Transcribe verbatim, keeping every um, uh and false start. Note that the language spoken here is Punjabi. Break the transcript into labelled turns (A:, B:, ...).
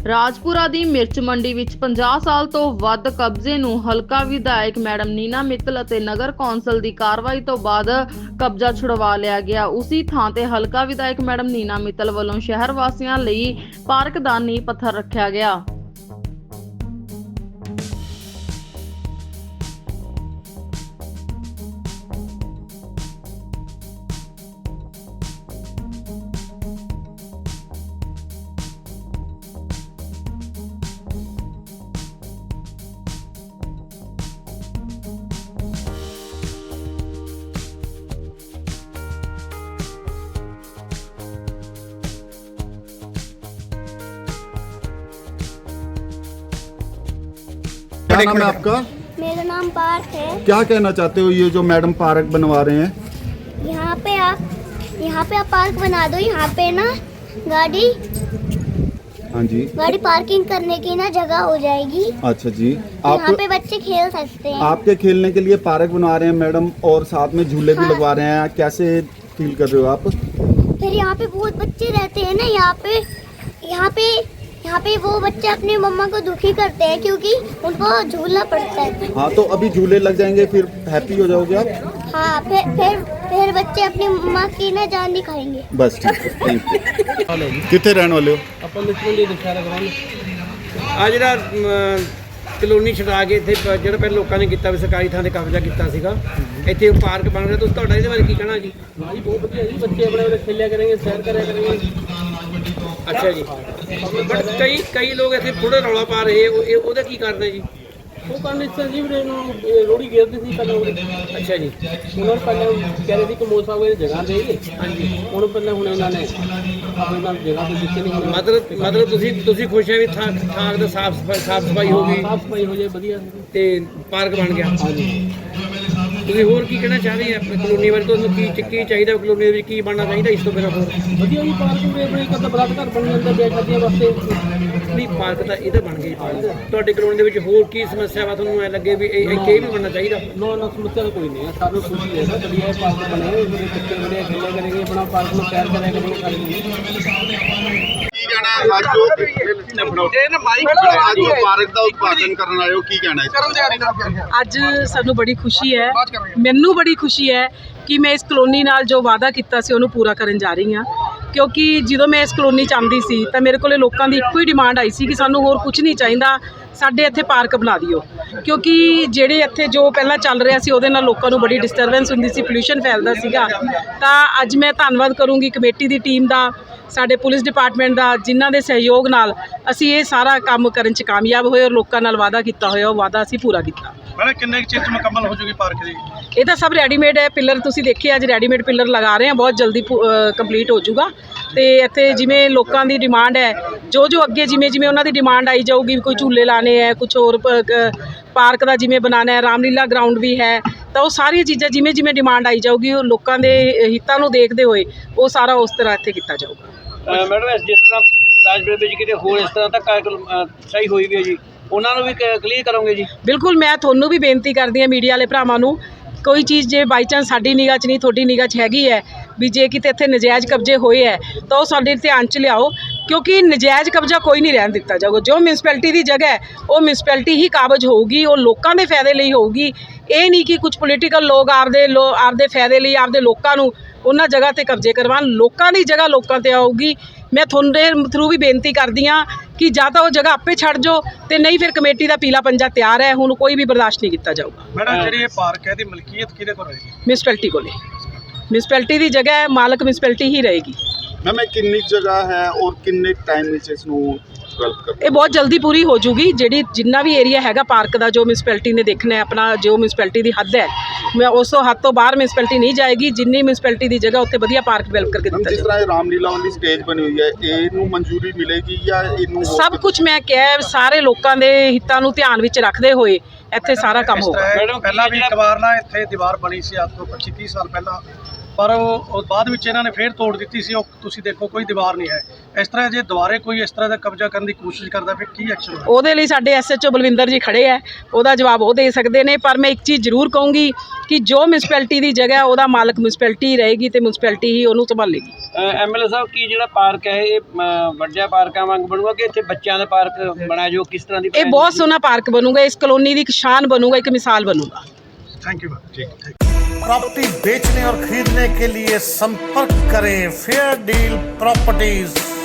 A: ਰਾਜਪੁਰਾ ਦੀ ਮਿਰਚ ਮੰਡੀ ਵਿੱਚ ਪੰਜਾਹ ਸਾਲ ਤੋਂ ਵੱਧ ਕਬਜ਼ੇ ਨੂੰ ਹਲਕਾ ਵਿਧਾਇਕ ਮੈਡਮ ਨੀਨਾ ਮਿੱਤਲ ਅਤੇ ਨਗਰ ਕੌਂਸਲ ਦੀ ਕਾਰਵਾਈ ਤੋਂ ਬਾਅਦ ਕਬਜ਼ਾ ਛੁਡਵਾ ਲਿਆ ਗਿਆ। ਉਸੀ ਥਾਂ ਤੇ ਹਲਕਾ ਵਿਧਾਇਕ ਮੈਡਮ ਨੀਨਾ ਮਿੱਤਲ ਵੱਲੋਂ ਸ਼ਹਿਰ ਵਾਸੀਆਂ ਲਈ ਪਾਰਕ ਦਾ ਨੀਂਹ ਪੱਥਰ ਰੱਖਿਆ ਗਿਆ।
B: क्या नाम है आपका?
C: मेरा नाम पार्थ है।
B: क्या कहना चाहते हो ये जो मैडम पार्क बनवा रहे हैं?
C: यहाँ पे आप यहाँ पे आप पार्क बना दो। यहाँ पे ना गाड़ी
B: हाँ जी
C: गाड़ी पार्किंग करने की ना जगह हो जाएगी।
B: अच्छा जी।
C: यहाँ
B: आप
C: पे बच्चे खेल सकते हैं।
B: आपके खेलने के लिए पार्क बनवा रहे हैं मैडम और साथ में झूले भी
C: हाँ।
B: लगवा रहे हैं। कैसे फील कर रहे हो आप?
C: फिर यहाँ पे बहुत बच्चे रहते हैं ना, यहाँ पे यहाँ पे यहाँ पे वो बच्चे अपने मम्मा को दुखी करते हैं क्योंकि उनको झूलना पड़ता है।
B: हाँ तो अभी झूले लग जाएंगे फिर हैप्पी हो जाओगे आप?
C: हाँ फिर फिर फिर बच्चे अपनी मम्मा की ना जान दिखाएंगे।
B: बस ठीक है, थैंक यू। कितने रहने वाले हो?
D: ਆਪਾਂ ਲਿਟਰਲੀ ਦਿਖਾ ਰਹੇ ਆ ਜਿਹੜਾ ਕਲੋਨੀ ਛਡਾ ਕੇ ਇੱਥੇ ਜਿਹੜਾ ਪਹਿਲਾਂ ਲੋਕਾਂ ਨੇ ਕੀਤਾ ਵੀ ਸਰਕਾਰੀ ਥਾਂ ਤੇ ਕਬਜ਼ਾ ਕੀਤਾ ਸੀਗਾ, ਇੱਥੇ ਪਾਰਕ ਬਣ ਰਿਹਾ। ਤੁਸੀਂ ਤੁਹਾਡਾ ਇਹਦੇ ਬਾਰੇ ਕੀ ਕਹਿਣਾ ਜੀ? ਜੀ ਬਹੁਤ ਵਧੀਆ ਜੀ, ਬੱਚੇ ਆਪਣੇ ਵੇਲੇ ਖੇਲਿਆ ਕਰਨਗੇ, ਸੈਰ ਕਰਿਆ ਕਰਨਗੇ। ਅੱਛਾ ਜੀ, ਬਟ ਕਈ ਕਈ ਲੋਕ ਇੱਥੇ ਥੋੜੇ ਰੌਲਾ ਪਾ ਰਹੇ, ਉਹ ਇਹ- ਉਹਦਾ ਕੀ ਕਰਦੇ ਜੀ? ਉਹ ਕਰਨ ਇਸ ਤਰ੍ਹਾਂ ਜੀ ਵੀਰੇ ਨੂੰ ਰੋੜੀ ਗੇਰਦੇ ਸੀ ਪਹਿਲਾਂ ਉਹਦੇ। ਅੱਛਾ ਜੀ, ਉਹਨਾਂ ਨੂੰ ਪਹਿਲਾਂ ਕਹਿ ਰਹੇ ਸੀ ਕਿ ਮੋਸਾ ਹੋਏ ਜਗ੍ਹਾ ਦੇ ਹਾਂਜੀ, ਹੁਣ ਪਹਿਲਾਂ ਹੁਣ ਇਹਨਾਂ ਨੇ ਆਪਣੀ ਨਾਲ ਜਗ੍ਹਾ ਤੇ ਦਿੱਤੀ ਨਹੀਂ। ਮਤਲਬ ਮਤਲਬ ਤੁਸੀਂ ਤੁਸੀਂ ਖੁਸ਼ ਹੈ ਵੀ ਥਾਂ ਥਾਂ ਦਾ ਸਾਫ ਸਫਾਈ ਸਾਫ ਸਫਾਈ ਹੋ ਗਈ, ਸਾਫ ਸਫਾਈ ਹੋ ਜਾਏ ਵਧੀਆ ਤੇ ਪਾਰਕ ਬਣ ਗਿਆ। ਹਾਂਜੀ, ਤੁਸੀਂ ਹੋਰ ਕੀ ਕਹਿਣਾ ਚਾਹਦੇ ਆ ਆਪਣੀ ਕਲੋਨੀ ਬਾਰੇ? ਤੁਹਾਨੂੰ ਕੀ ਕੀ ਚਾਹੀਦਾ ਕਲੋਨੀ ਦੇ ਵਿੱਚ, ਕੀ ਬਣਨਾ ਚਾਹੀਦਾ ਇਸ ਤੋਂ ਬਿਨਾਂ? ਹੋਰ ਵਧੀਆ ਜੀ, ਪਾਰਕ ਦੇ ਆਪਣੇ ਇੱਕ ਅੱਧਾ ਬਲਾਕ ਘਰ ਬਣ ਜਾਂਦਾ ਵਿਆਹ ਸ਼ਾਦੀਆਂ ਵਾਸਤੇ। ਨਹੀਂ ਪਾਰਕ ਤਾਂ ਇਹਦਾ ਬਣ ਗਿਆ। ਤੁਹਾਡੇ ਕਲੋਨੀ ਦੇ ਵਿੱਚ ਹੋਰ ਕੀ ਸਮੱਸਿਆ ਵਾ ਤੁਹਾਨੂੰ ਐ ਲੱਗੇ ਵੀ ਇਹ ਇੱਥੇ ਇਹ ਵੀ ਬਣਨਾ ਚਾਹੀਦਾ? ਨਾ ਨਾ ਸਮੱਸਿਆ ਤਾਂ ਕੋਈ ਨਹੀਂ ਹੈ, ਸਾਨੂੰ ਖੁਸ਼ੀ ਹੈ ਨਾ ਵਧੀਆ ਪਾਰਕ ਬਣੇ ਹੋਏ, ਮੇਰੇ ਬੱਚੇ ਬੜੇ ਖੇਲਿਆ ਕਰਨਗੇ, ਆਪਣਾ ਪਾਰਕ ਨੂੰ ਸੈਰ ਕਰਿਆ ਕਰਨਗੇ ਸਾਰੇ।
B: ਅੱਜ ਪਾਰਕ ਦਾ ਉਦਘਾਟਨ ਕਰਨ ਆਏ ਹੋ, ਕੀ ਕਹਿਣਾ ਹੈ?
E: ਅੱਜ ਸਾਨੂੰ ਬੜੀ ਖੁਸ਼ੀ ਹੈ, ਮੈਨੂੰ ਬੜੀ ਖੁਸ਼ੀ ਹੈ ਕਿ ਮੈਂ ਇਸ ਕਲੋਨੀ ਨਾਲ ਜੋ ਵਾਅਦਾ ਕੀਤਾ ਸੀ ਉਹਨੂੰ ਪੂਰਾ ਕਰਨ ਜਾ ਰਹੀ ਹਾਂ। ਕਿਉਂਕਿ ਜਦੋਂ ਮੈਂ ਇਸ ਕਲੋਨੀ 'ਚ ਆਉਂਦੀ ਸੀ ਤਾਂ ਮੇਰੇ ਕੋਲੇ ਲੋਕਾਂ ਦੀ ਇੱਕੋ ਹੀ ਡਿਮਾਂਡ ਆਈ ਸੀ ਕਿ ਸਾਨੂੰ ਹੋਰ ਕੁਝ ਨਹੀਂ ਚਾਹੀਦਾ, ਸਾਡੇ ਇੱਥੇ ਪਾਰਕ ਬਣਾ ਦਿਓ। ਕਿਉਂਕਿ ਜਿਹੜੇ ਇੱਥੇ ਜੋ ਪਹਿਲਾਂ ਚੱਲ ਰਿਹਾ ਸੀ ਉਹਦੇ ਨਾਲ ਲੋਕਾਂ ਨੂੰ ਬੜੀ ਡਿਸਟਰਬੈਂਸ ਹੁੰਦੀ ਸੀ, ਪੋਲਿਊਸ਼ਨ ਫੈਲਦਾ ਸੀਗਾ। ਤਾਂ ਅੱਜ ਮੈਂ ਧੰਨਵਾਦ ਕਰੂੰਗੀ ਕਮੇਟੀ ਦੀ ਟੀਮ ਦਾ, ਸਾਡੇ ਪੁਲਿਸ ਡਿਪਾਰਟਮੈਂਟ ਦਾ, ਜਿਨ੍ਹਾਂ ਦੇ ਸਹਿਯੋਗ ਨਾਲ ਅਸੀਂ ਇਹ ਸਾਰਾ ਕੰਮ ਕਰਨ 'ਚ ਕਾਮਯਾਬ ਹੋਏ ਔਰ ਲੋਕਾਂ ਨਾਲ ਵਾਅਦਾ ਕੀਤਾ ਹੋਇਆ ਉਹ ਵਾਅਦਾ ਅਸੀਂ ਪੂਰਾ ਕੀਤਾ।
F: ਮੈਡਮ ਕਿੰਨੇ ਚਿਰ 'ਚ ਮੁਕੰਮਲ ਹੋ ਜੂਗੀ ਪਾਰਕ ਦੀ?
E: ਇਹ ਤਾਂ ਸਭ ਰੈਡੀਮੇਡ ਹੈ, ਪਿੱਲਰ ਤੁਸੀਂ ਦੇਖੇ ਅੱਜ ਰੈਡੀਮੇਡ ਪਿੱਲਰ ਲਗਾ ਰਹੇ ਹਾਂ, ਬਹੁਤ ਜਲਦੀ ਕੰਪਲੀਟ ਹੋ ਜਾਊਗਾ। ਤੇ ਇੱਥੇ ਜਿਵੇਂ ਲੋਕਾਂ ਦੀ ਡਿਮਾਂਡ ਹੈ, ਜੋ ਜੋ ਅੱਗੇ ਜਿਵੇਂ ਜਿਵੇਂ ਉਹਨਾਂ ਦੀ ਡਿਮਾਂਡ ਆਈ ਜਾਊਗੀ, ਕੋਈ ਝੂਲੇ ਲਾਣੇ ਹੈ, ਕੁਝ ਹੋਰ ਪਾਰਕ ਦਾ ਜਿਵੇਂ ਬਣਾਉਣਾ ਹੈ, ਰਾਮਲੀਲਾ ਗਰਾਊਂਡ ਵੀ ਹੈ, ਤਾਂ ਉਹ ਸਾਰੀਆਂ ਚੀਜ਼ਾਂ ਜਿਵੇਂ ਜਿਵੇਂ ਡਿਮਾਂਡ ਆਈ ਜਾਊਗੀ ਉਹ ਲੋਕਾਂ ਦੇ ਹਿੱਤਾਂ ਨੂੰ ਦੇਖਦੇ ਹੋਏ ਉਹ ਸਾਰਾ ਉਸ ਤਰ੍ਹਾਂ ਇੱਥੇ ਕੀਤਾ ਜਾਊਗਾ।
D: ਮੈਡਮ ਜਿਸ ਤਰ੍ਹਾਂ ਰਾਜਪੁਰੇ ਵਿੱਚ ਕਿਤੇ ਹੋਰ ਇਸ ਤਰ੍ਹਾਂ ਤੱਕ ਸਹੀ ਹੋਈ ਵੀ ਹੈ ਜੀ, ਉਹਨਾਂ ਨੂੰ ਵੀ ਕਲੀਅਰ ਕਰੋਗੇ ਜੀ?
E: ਬਿਲਕੁਲ, ਮੈਂ ਤੁਹਾਨੂੰ ਵੀ ਬੇਨਤੀ ਕਰਦੀ ਹਾਂ ਮੀਡੀਆ ਵਾਲੇ ਭਰਾਵਾਂ ਨੂੰ, ਕੋਈ ਚੀਜ਼ ਜੇ ਬਾਈ ਚਾਂਸ ਸਾਡੀ ਨਿਗਾਹ 'ਚ ਨਹੀਂ ਤੁਹਾਡੀ ਨਿਗਾਹ 'ਚ ਹੈਗੀ ਹੈ ਵੀ ਜੇ ਕਿਤੇ ਇੱਥੇ ਨਜਾਇਜ਼ ਕਬਜ਼ੇ ਹੋਏ ਹੈ ਤਾਂ ਉਹ ਸਾਡੇ ਧਿਆਨ 'ਚ ਲਿਆਓ। ਕਿਉਂਕਿ ਨਜਾਇਜ਼ ਕਬਜ਼ਾ ਕੋਈ ਨਹੀਂ ਰਹਿਣ ਦਿੱਤਾ ਜਾਊਗਾ। ਜੋ ਮਿਊਨਿਸਪੈਲਿਟੀ ਦੀ ਜਗ੍ਹਾ ਹੈ ਉਹ ਮਿਊਨਿਸਪੈਲਿਟੀ ਹੀ ਕਾਬਜ਼ ਹੋਊਗੀ, ਉਹ ਲੋਕਾਂ ਦੇ ਫਾਇਦੇ ਲਈ ਹੋਊਗੀ। ਇਹ ਨਹੀਂ ਕਿ ਕੁਝ ਪੋਲੀਟੀਕਲ ਲੋਕ ਆਪਦੇ ਲੋ ਆਪਦੇ ਫਾਇਦੇ ਲਈ ਆਪਦੇ ਲੋਕਾਂ ਨੂੰ ਉਹਨਾਂ ਜਗ੍ਹਾ 'ਤੇ ਕਬਜ਼ੇ ਕਰਵਾਉਣ। ਲੋਕਾਂ ਦੀ ਜਗ੍ਹਾ ਲੋਕਾਂ 'ਤੇ ਆਊਗੀ। ਮੈਂ ਤੁਹਾਡੇ ਥਰੂ ਵੀ ਬੇਨਤੀ ਕਰਦੀ ਹਾਂ ਕਿ ਜਾਂ ਤਾਂ ਉਹ ਜਗ੍ਹਾ ਆਪੇ ਛੱਡ ਜਾਓ ਤੇ ਨਹੀਂ ਫਿਰ ਕਮੇਟੀ ਦਾ ਪੀਲਾ ਪੰਜਾ ਤਿਆਰ ਹੈ, ਹੁਣ ਕੋਈ ਵੀ ਬਰਦਾਸ਼ਤ ਨਹੀਂ ਕੀਤਾ ਜਾਊਗਾ।
F: ਮੈਡਮ ਜਿਹੜੀ ਇਹ ਪਾਰਕ ਹੈ ਇਹਦੀ ਮਲਕੀਅਤ ਕਿਹਦੇ ਕੋਲ ਰਹੇਗੀ?
E: ਮਿਊਨਿਸਪੈਲਿਟੀ ਕੋਲੇ, ਮਿਊਨਿਸਪੈਲਿਟੀ ਦੀ ਜਗ੍ਹਾ ਹੈ, ਮਾਲਕ ਮਿਊਨਿਸਪੈਲਿਟੀ ਹੀ ਰਹੇਗੀ।
B: मैम किन्नी जगह है और किन्ने टाइम में इसनू डेवलप कर?
E: ਇਹ ਬਹੁਤ ਜਲਦੀ ਪੂਰੀ ਹੋ ਜੂਗੀ। ਜਿਹੜੀ ਜਿੰਨਾ ਵੀ ਏਰੀਆ ਹੈਗਾ ਪਾਰਕ ਦਾ ਜੋ ਮਿਊਨਿਸਪੈਲਿਟੀ ਨੇ ਦੇਖਣਾ ਹੈ, ਆਪਣਾ ਜੋ ਮਿਊਨਿਸਪੈਲਿਟੀ ਦੀ ਹੱਦ ਹੈ, ਮੈਂ ਉਸ ਤੋਂ ਹੱਦ ਤੋਂ ਬਾਹਰ ਮਿਊਨਿਸਪੈਲਿਟੀ ਨਹੀਂ ਜਾਏਗੀ। ਜਿੰਨੀ ਮਿਊਨਿਸਪੈਲਿਟੀ ਦੀ ਜਗ੍ਹਾ ਉੱਥੇ ਵਧੀਆ ਪਾਰਕ ਡਿਵੈਲਪ ਕਰਕੇ ਦਿੱਤਾ
B: ਜਿਸ ਤਰ੍ਹਾਂ ਰਾਮਲੀਲਾ ਵਾਲੀ ਸਟੇਜ ਬਣੀ ਹੋਈ ਹੈ, ਇਹਨੂੰ ਮਨਜ਼ੂਰੀ ਮਿਲੇਗੀ ਜਾਂ ਇਹਨੂੰ?
E: ਸਭ ਕੁਝ ਮੈਂ ਕਿਹਾ, ਸਾਰੇ ਲੋਕਾਂ ਦੇ ਹਿੱਤਾਂ ਨੂੰ ਧਿਆਨ ਵਿੱਚ ਰੱਖਦੇ ਹੋਏ ਇੱਥੇ ਸਾਰਾ ਕੰਮ ਹੋਊਗਾ।
F: ਮੈਡਮ ਪਹਿਲਾਂ ਵੀ ਇੱਕ ਵਾਰ ਨਾ ਇੱਥੇ ਦੀਵਾਰ ਬਣੀ ਸੀ ਅੱਜ ਤੋਂ ਪੱਚੀ ਤੀਹ ਸਾਲ ਪਹਿਲਾਂ, ਪਰ ਉਹ ਉਹ ਬਾਅਦ ਵਿੱਚ ਇਹਨਾਂ ਨੇ ਫੇਰ ਤੋੜ ਦਿੱਤੀ ਸੀ। ਉਹ ਤੁਸੀਂ ਦੇਖੋ ਕੋਈ ਦੀਵਾਰ ਨਹੀਂ ਹੈ। ਇਸ ਤਰ੍ਹਾਂ ਜੇ ਦੁਬਾਰੇ ਕੋਈ ਇਸ ਤਰ੍ਹਾਂ ਦਾ ਕਬਜ਼ਾ ਕਰਨ ਦੀ ਕੋਸ਼ਿਸ਼ ਕਰਦਾ ਫਿਰ ਕੀ ਐਕਸ਼ਨ ਹੋਵੇ?
E: ਉਹਦੇ ਲਈ ਸਾਡੇ ਐਸਐਚਓ ਬਲਵਿੰਦਰ ਜੀ ਖੜੇ ਆ, ਉਹਦਾ ਜਵਾਬ ਉਹ ਦੇ ਸਕਦੇ ਨੇ। ਪਰ ਮੈਂ ਇੱਕ ਚੀਜ਼ ਜ਼ਰੂਰ ਕਹੂੰਗੀ ਕਿ ਜੋ ਮਿਊਨਿਸਪੈਲਿਟੀ ਦੀ ਜਗ੍ਹਾ ਉਹਦਾ ਮਾਲਕ ਮਿਊਨਿਸਪੈਲਿਟੀ ਰਹੇਗੀ ਤੇ ਮਿਊਨਿਸਪੈਲਿਟੀ ਹੀ ਉਹਨੂੰ ਸੰਭਾਲੇਗੀ।
D: ਐਮਐਲਏ ਸਾਹਿਬ ਕੀ ਜਿਹੜਾ ਪਾਰਕ ਹੈ ਇਹ ਅ, ਵੱਡਿਆਂ ਪਾਰਕਾਂ ਵਾਂਗ ਬਣੂਗਾ ਕਿ ਇੱਥੇ ਬੱਚਿਆਂ ਦਾ ਪਾਰਕ ਬਣਾ ਜੋ ਕਿਸ ਤਰ੍ਹਾਂ ਦੀ
E: ਇਹ ਬਹੁਤ ਸੋਹਣਾ ਪਾਰਕ ਬਣੂਗਾ, ਇਸ ਕਲੋਨੀ ਦੀ ਇੱਕ ਸ਼ਾਨ ਬਣੂਗਾ, ਇੱਕ ਮਿਸਾਲ ਬਣੂਗਾ।
F: Thank you ma'am. ठीक
G: प्रॉपर्टी बेचने और खरीदने के लिए संपर्क करें फेयर डील प्रॉपर्टीज।